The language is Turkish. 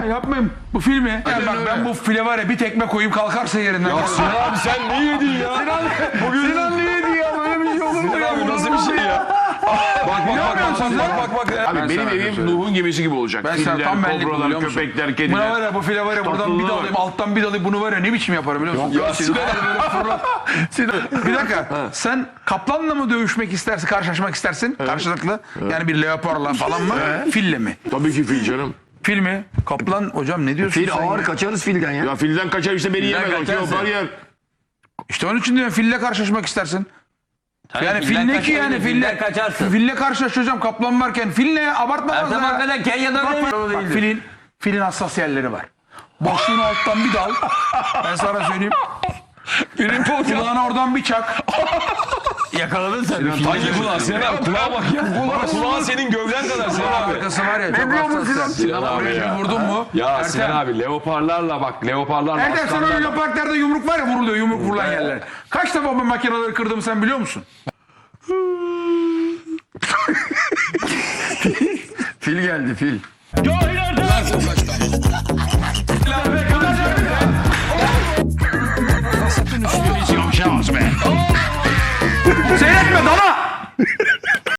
ya yapmayayım. Bu filmi. Yani bak ben bu file var ya bir tekme koyup kalkarsa yerinden. Ya Sinan abi sen ne yedin ya? Sinan ne yedi ya? Böyle bir şey olur mu ya? Abi nasıl bir şey ya? Bak. Abi benim evim Nuh'un gemisi gibi olacak. Ben sana Filler, tam benlik kobralar, biliyor musun? köpekler, Buna kediler. var ya bu file var ya buradan bir Tatlılığı dalayım var. alttan bir dalayım bunu var ya ne biçim yaparım biliyor musun? Ya Sinan Bir dakika sen kaplanla mı dövüşmek istersin karşılaşmak istersin karşılıklı yani bir leoparla falan mı fille mi? Tabii ki fil canım. Fil mi? Kaplan hocam ne diyorsun Fil sen ağır ya? kaçarız filden ya. Ya filden kaçar işte beni yemez. O kaçarsın. leopar yer. İşte onun için diyorum fille karşılaşmak istersin. Yani fil filden ne ki yani kaçabilir, filden kaçarsın. Fille karşılaşacağım kaplan varken fil ne ya abartma fazla Ertem ya. hakikaten Kenya'da öyle Bak, filin hassas yerleri var. Boşluğunu alttan bir dal. Ben sana söyleyeyim. Kulağına oradan bir çak. yakaladın sen. hangi kulağı? Sinan abi kulağa bak ya. Kulağı senin gövden kadar Sinan abi. Arkası var ya çok hassas. Sinan abi Oraya ya. bir vurdun mu? Ya Sinan abi leoparlarla bak leoparlarla Ertem sana öyle aslanlarla. parklerde yumruk var ya vuruluyor yumruk vurulan yerler. Kaç defa ben makineleri kırdım sen biliyor musun? Fil geldi fil. Cahil Ertem!